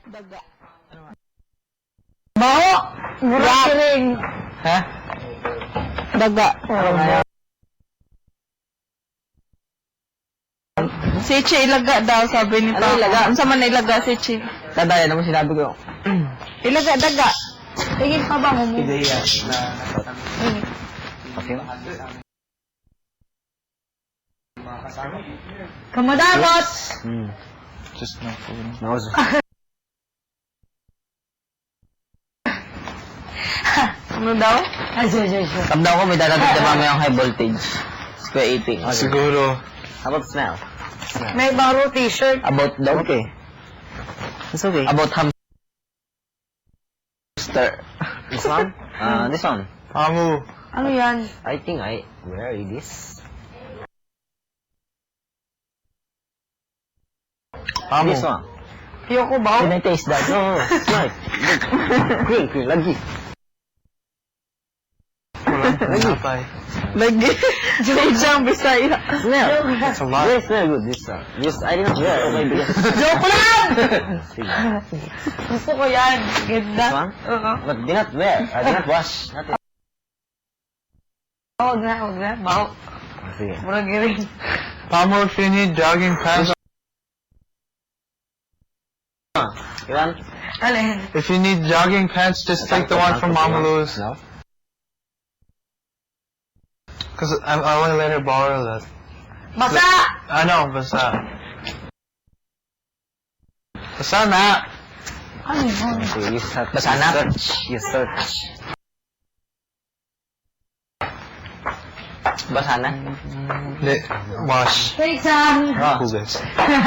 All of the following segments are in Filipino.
Daga. Baho! Murakiring. Ha? Daga. Si Che ilaga daw, sabi ni Papa. Ano ilaga? Ano sa man ilaga si Che? Dadaya naman sinabi ko. Ilaga, daga. Tingin pa ba mo? Ideya na okay. Kamadamot! Just no food. No. Ano daw? Tamdaw ko may dadating na mamayang high voltage. Square 18. Siguro. How about smell? May baro t-shirt. About dog? Okay. It's okay. About hamster. This one? This one. Pamu. Ano yan? I think where is this? Pamu. This one. Ayoko ba? Can I taste that? No, smell. Green, lagi. Napay. Lagi. Jojang Bisaya. Smell. That's a lot. Very smell good, this one. This, I didn't wear. Okay, because... Joke lang! Sige. Gusto ko yan. Ganda. This one? Oo. But did not wear. I did not wash. Not it. Huwag na. Baho. Sige. Murakiring. Pamu, if you need jogging pants, You want? Alin? if you need jogging pants, just take the one from Mama Lou's. No? Because I want to let her borrow that. Basa! I know, basta. Basta na. Ano yun? Okay, you search. Basta na? You search. Basa na? Wash. Take some. Who's this?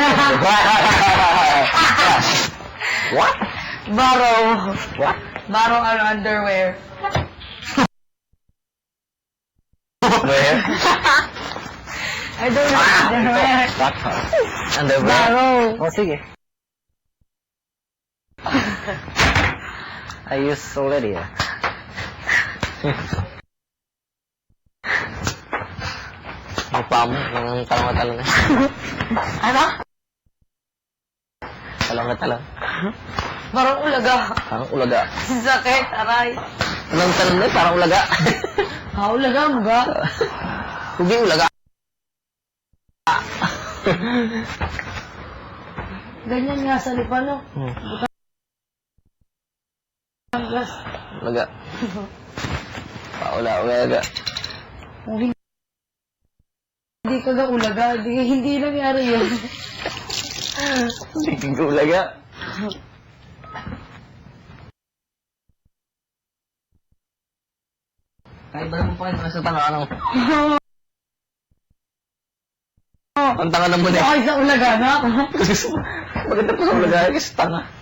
What? Baro. What? Baro ano underwear. Where? I don't know underwear. What? Underwear? Baro. Oh, sige. I use already. Mukha mo, yung talong na. Ano? Talong na talong. Barong ulaga. Parang ulaga. Sakit, aray. Anong talong na? Parang ulaga. Ha, ulaga mo ga? Hindi ulaga. Ganyan nga sa lipa, no? Gas. Ulaga. Ulaga. Kung hindi ka ga ulaga, hindi nangyari yun. Hindi ka ulaga. Kahit ba naman pa kayo nasa tangan Ang tanga naman eh. Kahit sa ulaga na. Maganda pa sa ulaga kasi tanga.